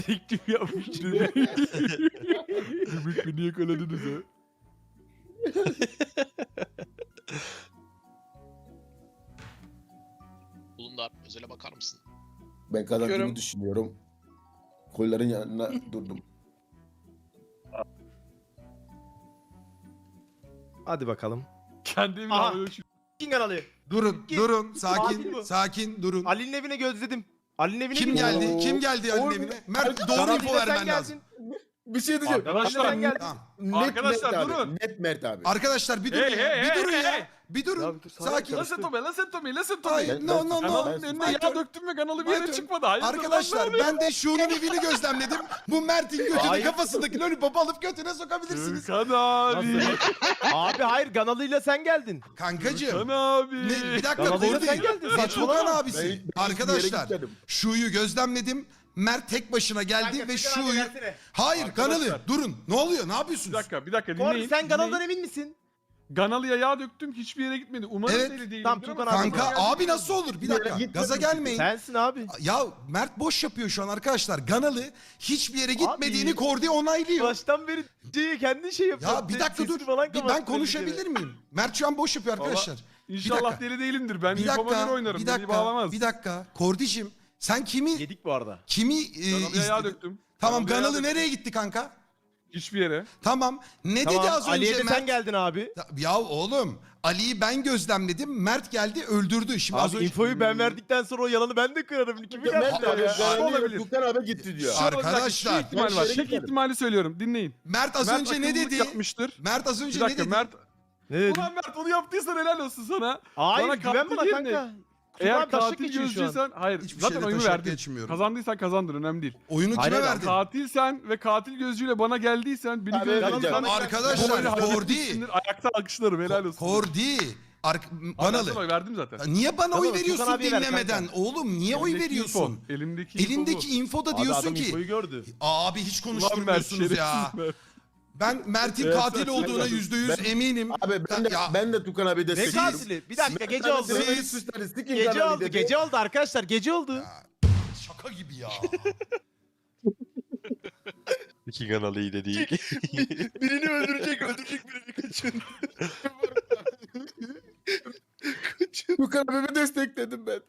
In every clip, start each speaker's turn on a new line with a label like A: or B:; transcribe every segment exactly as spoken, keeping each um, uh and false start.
A: Teklif yapmıştı. Ümit beni yakaladınız ha.
B: Bulundar, özele bakar mısın?
C: Ben kazandığımı
D: Bakıyorum.
C: düşünüyorum. Kolların yanına durdum.
E: Hadi bakalım.
A: Kendimi
E: Aha.
A: havaya uçurdum.
E: Kim kanalı?
F: Durun,
E: Git.
F: durun.
E: Adil
F: Sakin,
E: bu.
F: sakin durun.
E: Ali'nin evine gözledim. Ali'nin evine
F: Kim
E: gittim.
F: geldi?
C: Oo.
F: Kim geldi Ali'nin
C: Oğlum,
F: evine? Mert doğru
E: Kanalı
F: info
E: ile sen
F: vermen
E: geldin.
F: lazım.
C: Bir şey diyeceğim.
A: Arkadaşlar,
E: Ali'den geldin.
F: Tamam.
C: Net
A: Arkadaşlar,
C: Mert abi.
A: durun.
C: Net Mert abi.
F: Arkadaşlar bir durun
A: Hey,
F: ya.
A: hey,
F: Bir
A: hey,
F: durun
A: hey,
F: ya.
A: hey.
F: Bir durun.
E: Ya bir dur, sana
F: Sakin.
E: karıştı.
A: Listen to me, listen to me, listen to
F: Hayır,
A: me.
C: Ben-
F: no
C: ben-
F: no no.
A: Kanalın
C: ben-
A: önüne
F: My
A: yağ
F: turn.
A: döktüm ve kanalı bir
F: My
A: yere
F: turn.
A: çıkmadı. Hayırdır lan, ne
F: Arkadaşlar
A: oluyor?
F: ben de şunun evini gözlemledim. Bu Mert'in götünü
E: Hayır.
F: kafasındaki lollipopu alıp götüne sokabilirsiniz.
A: Gürkan abi.
E: Abi hayır Ganalı'yla sen geldin.
F: Kankacığım.
A: Gürkan abi.
F: Ne, bir dakika
E: Ganalı'yla
F: Kordi.
E: sen geldin.
F: Ne
E: Saçmalama.
F: Tugan
C: Ben
F: abisi.
C: hiçbir yere
F: Arkadaşlar
C: gitmedim.
F: şuyu gözlemledim. Mert tek başına geldi ve şuyu... Hayır
A: Arkadaşlar.
F: Ganalı durun. Ne oluyor? Ne
A: Bir
F: yapıyorsunuz?
A: dakika, bir dakika
E: Kordi
A: dinleyin.
E: sen Ganalı'dan
A: dinleyin.
E: emin misin?
A: Ganalı'ya yağ döktüm, hiçbir yere gitmedi. Umarım
F: Evet.
A: deli değilim.
E: Tamam, Tugan abi.
F: Kanka abi nasıl olur? Bir
C: Bir yere
F: dakika.
C: gitmedim.
F: Gaza gelmeyin.
E: Sensin abi.
F: Ya Mert boş yapıyor şu an arkadaşlar. Ganalı hiçbir yere gitmediğini
E: Abi.
F: Kordi onaylıyor.
E: Baştan beri şeyi kendi şey yapıyor.
F: Ya bir dakika dur.
E: Sesini falan
F: Bir ben
E: kapattı
F: konuşabilir
E: belli
F: miyim? Mert şu an boş yapıyor
A: Valla
F: arkadaşlar.
A: İnşallah
F: dakika.
A: deli değilimdir. Ben
F: Bir
A: infoma göre
F: dakika.
A: oynarım.
F: Bir
A: Beni
F: dakika.
A: bağlamaz.
F: Bir dakika. Kordicim sen kimi
E: kere. Yedik bu arada.
F: kimi e,
A: Ganalı'ya yağ
F: izledin?
A: döktüm.
F: Tamam
A: Ganalı'ya yağ
F: Ganalı
A: döktüm.
F: nereye gitti kanka?
A: Hiçbir yere.
F: Tamam. Ne
E: Tamam,
F: dedi az
E: Ali'ye
F: önce
E: de
F: Mert?
E: sen geldin abi.
F: Ya oğlum Ali'yi ben gözlemledim. Mert geldi öldürdü. Şimdi az
E: Abi
F: önce...
E: infoyu ben verdikten sonra o yalanı ben de kırarım. Kimi
C: Mert
E: geldi
C: abi.
E: ya?
C: Ganalı
A: olabilir.
C: Tukan abi gitti diyor.
F: Şu- Arkadaşlar.
A: Şu ihtimal
C: Ben
A: var.
C: şeye
A: Tek
C: gitmedim.
A: ihtimali söylüyorum. Dinleyin.
F: Mert az
A: Mert
F: önce ne
A: akıllılık
F: dedi?
A: yapmıştır.
F: Mert az
A: Bir
F: önce ne
A: dakika
F: dedi?
A: Mert.
E: Ne dedin?
A: Ulan Mert onu yaptıysan helal olsun sana.
E: Hayır
A: Bana
E: güven
A: katil
E: bana
A: yerine-
E: kanka.
A: Eğer
E: Tugan taşlık
A: katil
E: geçiyor şu an.
A: gözcüysen hayır
F: Hiçbir
A: zaten
F: şeyle
A: oyunu
F: taşak
A: verdin.
F: geçmiyorum.
A: Kazandıysan kazandın önemli değil.
F: Oyunu
E: Hayır,
F: kime
E: hayır,
F: verdin?
A: Katilsen ve katil gözcüyle bana geldiysen beni
C: Abi,
A: gözlemledin.
C: vereceğim.
F: Arkadaşlar Kordi.
A: Ayakta alkışlarım helal olsun.
F: Kordi. Ark
A: Abi ben
F: Ganalı.
A: sana oy verdim zaten.
F: Niye bana oy
E: Tamam,
F: veriyorsun
E: Tugan abiye ver
F: dinlemeden?
E: kanka.
F: Oğlum niye oy
A: Elimdeki
F: veriyorsun?
A: info, Elimdeki info
F: Elindeki
A: bu.
F: infoda
E: Abi
F: diyorsun
E: adam
F: ki
E: infoyu gördü.
F: abi hiç
A: Ulan Mert,
F: konuşturmuyorsunuz ya.
A: şerefsiz Mert.
F: Ben Mert'in
A: Evet,
F: katil
A: sen-
F: olduğuna
A: sen-
F: yüzde yüz
C: Ben-
F: eminim.
C: Abi ben de,
F: Ya,
C: ben de Tukan abi
E: Ne
C: destekliyorum.
E: katili? Bir dakika gece
C: Mert
E: oldu.
C: abi
F: Siz-
C: beni suçları, sikin
E: Gece
C: kanalı
E: oldu.
C: dedi.
E: Gece oldu arkadaşlar. Gece oldu.
F: şaka gibi ya.
D: İki kanalı iyi de değil.
E: Birini öldürecek, öldürecek birini kaçın.
C: Tukan abimi destekledim ben.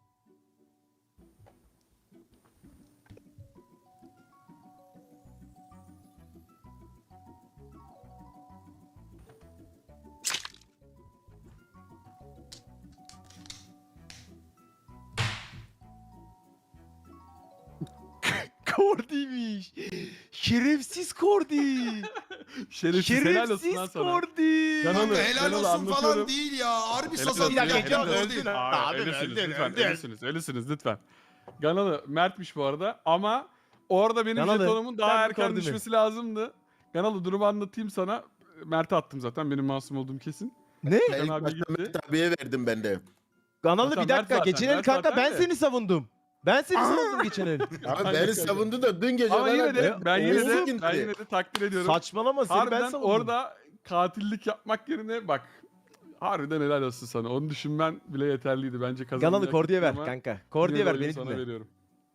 E: Kordi'ymiş. Şerefsiz Kordi.
A: Şerefsiz helal olsun lan
E: Şerefsiz
A: sana.
E: Kordi.
A: Ganalı,
F: Kanka helal
A: Ganalı
F: olsun falan
A: anlatıyorum.
F: değil ya. Harbi
A: Helal
F: sazan
A: olsun.
E: Bir dakika,
F: ya.
E: gece
F: Helal
E: oldu,
F: olsun.
E: öldün.
A: Hayır,
E: Abi,
A: ölüsünüz
E: öldün,
A: lütfen,
E: öldün.
A: ölüsünüz, ölüsünüz lütfen. Ganalı Mert'miş bu arada ama orada benim
E: Ganalı,
A: jetonumun daha
E: sen mi
A: erken
E: Kordi mi?
A: düşmesi lazımdı. Ganalı durumu anlatayım sana. Mert'e attım zaten benim masum olduğum kesin.
E: Ne?
C: Ben
A: Can
C: ilk
A: abi
C: başta
A: gitti.
C: Mert abiye verdim ben de.
E: Ganalı
A: Zaten
E: bir dakika.
A: Mert zaten,
E: Geçen el
A: Mert
E: kanka
A: zaten
E: ben
A: de.
E: seni savundum. Ben seni savundum geçen el.
C: Abi beni savundu da dün gece
A: Ama
C: bana-
A: yine de ben yine de
C: Oğuz'un
A: ben
C: gitti.
A: yine de takdir ediyorum.
E: Saçmalama seni ben
A: Harbiden
E: savundum.
A: orada katillik yapmak yerine bak harbiden helal olsun sana. Onu düşünmen bile yeterliydi bence kazanmayı.
E: Ganalı Kordi'ye ver
A: ama
E: kanka.
A: yine
E: Kordi'ye
A: de
E: ver
A: oyunu
E: beni
A: sana
E: dinle.
A: veriyorum.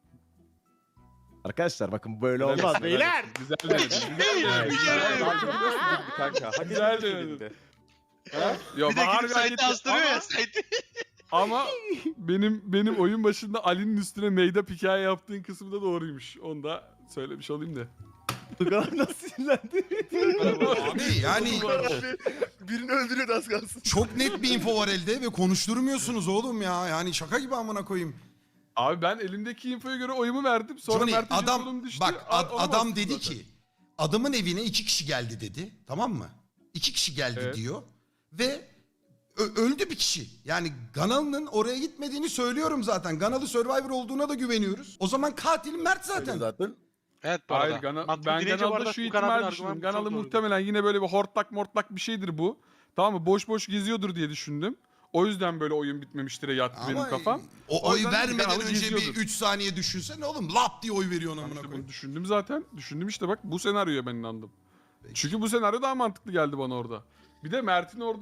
E: Arkadaşlar bakın böyle
A: Helal
E: olmaz
A: olsun, helal
E: beyler.
A: olsun. Güzel denedin. Güzel denedin.
D: Kanka. Hak
A: Güzel
D: etmiş
A: denedin.
D: elinde.
A: Ha? Yo,
B: Bir de
A: Bahar
B: gidip
A: gayet
B: site
A: iyi
B: astırıyor
A: ama-
B: ya site.
A: Ama benim benim oyun başında Ali'nin üstüne meyda hikaye yaptığın kısmı da doğruymuş. Onu da söylemiş olayım da.
E: Tugan abi nasıl sinirlendi?
F: Abi yani
E: Birini öldürüyordu az kalsın.
F: çok net bir info var elde ve konuşturmuyorsunuz oğlum ya. Yani şaka gibi amına koyayım.
A: Abi ben elimdeki infoya göre oyumu verdim. Sonra
F: Johnny
A: Mert'in jetonum
F: adam
A: düştü.
F: bak
A: a-
F: ad-
A: ona
F: adam
A: bastım
F: dedi
A: zaten.
F: ki adamın evine iki kişi geldi dedi. Tamam mı? İki kişi geldi
A: Evet.
F: diyor ve ö- öldü bir kişi. Yani Ganalı'nın oraya gitmediğini söylüyorum zaten. Ganalı Survivor olduğuna da güveniyoruz. O zaman katil Mert zaten.
C: Zaten.
B: Evet bu arada.
A: Hayır Gana,
B: Mantıklı
A: ben
B: dinleyince bu
A: Ganalı'da
B: arada
A: şu
B: Tugan abinin
A: ihtimal
B: argümanı
A: düşündüm.
B: çok
A: Ganalı
B: doğru.
A: muhtemelen yine böyle bir hortlak mortlak bir şeydir bu. Tamam mı? Boş boş geziyordur diye düşündüm. O yüzden böyle oyun bitmemiştire yattı benim
F: Ama
A: kafam.
F: o
A: O
F: oy
A: yüzden
F: vermeden
A: Ganalı
F: önce
A: geziyordur.
F: bir üç saniye düşünsene oğlum. Lap diye oy veriyorsun
A: Ben
F: amına
A: işte
F: koyayım.
A: bunu düşündüm zaten. Düşündüm işte bak bu senaryoya ben inandım. Çünkü bu senaryo daha mantıklı geldi bana orada. Bir de Mert'in orada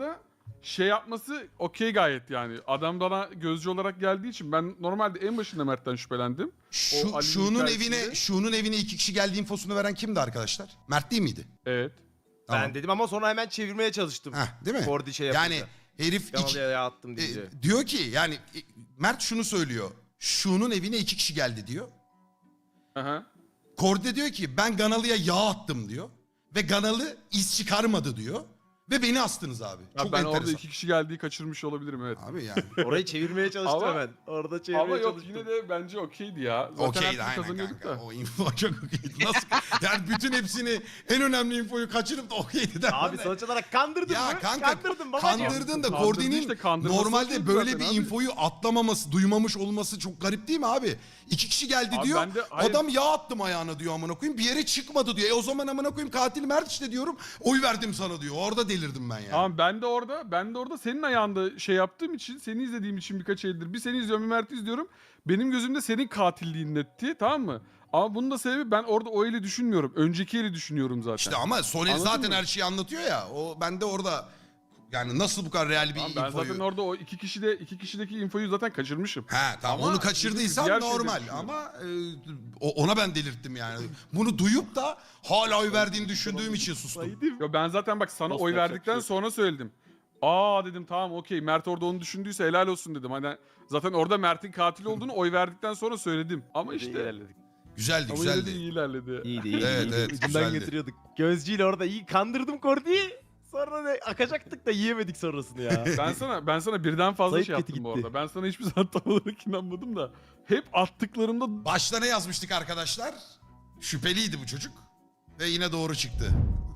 A: şey yapması okey gayet yani. Adam bana gözcü olarak geldiği için ben normalde en başında Mert'ten şüphelendim.
F: Şu,
A: Ali'nin
F: şunun
A: hikayesinde-
F: evine, şunun evine iki kişi geldi infosunu veren kimdi arkadaşlar? Mert değil miydi?
A: Evet.
F: Tamam.
E: Ben dedim ama sonra hemen çevirmeye çalıştım.
F: Heh, değil mi?
E: Kordi şey yapınca.
F: Yani herif iki,
E: Kanalıya yağ attım
F: e,
E: deyince.
F: diyor ki yani e, Mert şunu söylüyor. Şunun evine iki kişi geldi diyor.
A: Aha.
F: Kordi diyor ki ben Ganalı'ya yağ attım diyor. Ve Ganalı iz çıkarmadı diyor. Ve beni astınız abi.
A: Ya
F: Çok
A: ben
F: enteresan.
A: orada iki kişi geldiği kaçırmış olabilirim evet.
F: Abi yani.
E: Orayı çevirmeye çalıştım
A: Ama-
E: hemen. Orada çevirmeye
A: Ama yok
E: çalıştım.
A: yine de bence okeydi ya. Zaten her
F: Okeydi
A: türlü
F: aynen
A: kazanıyorduk
F: kanka.
A: da.
F: O info çok okeydi. Nasıl? Yani bütün hepsini en önemli infoyu kaçırıp da okeydi der.
E: Abi sonuç olarak kandırdın
F: Ya
E: mı?
F: kanka,
E: Kandırdın babacığım.
F: Kandırdın da
A: Kandırdı
F: Kordi'nin
A: işte, kandırması
F: normalde
A: okeydi
F: böyle
A: zaten
F: bir
A: abi.
F: infoyu atlamaması, duymamış olması çok garip değil mi abi? İki kişi geldi
A: Abi
F: diyor.
A: ben de- hayır.
F: Adam yağ attım ayağına diyor amına koyayım. Bir yere çıkmadı diyor. E o zaman amına koyayım katil Mert işte diyorum. Oy verdim sana diyor. Orada delirdim ben yani.
A: Tamam ben de orada ben de orada senin ayağında şey yaptığım için seni izlediğim için birkaç eldir. Bir seni izliyorum bir Mert'i izliyorum. Benim gözümde senin katilliğin netti tamam mı? Ama bunun da sebebi ben orada o eli düşünmüyorum. Önceki eli düşünüyorum zaten.
F: İşte ama Sonel
A: Anladın
F: zaten
A: mı?
F: her şeyi anlatıyor ya. O ben de orada yani nasıl bu kadar real bir
A: Tamam, ben
F: infoyu...
A: zaten orada o iki kişide iki kişideki infoyu zaten kaçırmışım.
F: He tamam
A: Ama
F: onu kaçırdıysan
A: diğer şeyleri
F: normal
A: düşünüyorum.
F: ama e, o- ona ben delirttim yani. Bunu duyup da hala oy verdiğini düşündüğüm için sustum.
A: Yo ben zaten bak sana
E: Nasıl
A: oy
E: yapacak
A: verdikten
E: bir şey
A: sonra söyledim. Aa dedim tamam okey Mert orada onu düşündüyse helal olsun dedim. Hani zaten orada Mert'in katil olduğunu oy verdikten sonra söyledim. Ama
E: İşte
A: işte
E: ilerledik.
F: Güzeldi
A: ama yine de
F: güzeldi.
A: iyi ilerledi.
E: İyiydi iyiydi.
F: Evet,
E: iyiydi.
F: evet,
E: Ucundan
F: güzeldi.
E: getiriyorduk. Gözcüyle orada iyi kandırdım Kordi'yi. Sonra ne akacaktık da yiyemedik sonrasını ya.
A: Ben sana ben sana birden fazla
E: Zayıf
A: şey
E: kötü
A: yaptım bu
E: gitti.
A: arada. Ben sana hiçbir zaman tam olarak inanmadım da hep attıklarımda
F: Başta ne yazmıştık arkadaşlar? Şüpheliydi bu çocuk. Ve yine doğru çıktı.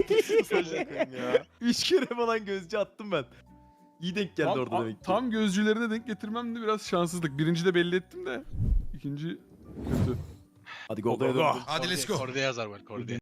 E: ya. Üç kere falan gözcü attım ben. İyi denk geldi
A: tam,
E: orada
A: a-
E: demek ki.
A: tam gözcülerine denk getirmem de biraz şanssızlık. Birinci de belli ettim de ikinci kötü.
E: Hadi go go go.
F: Hadi let's go.
B: Kordi yazar var Kordi.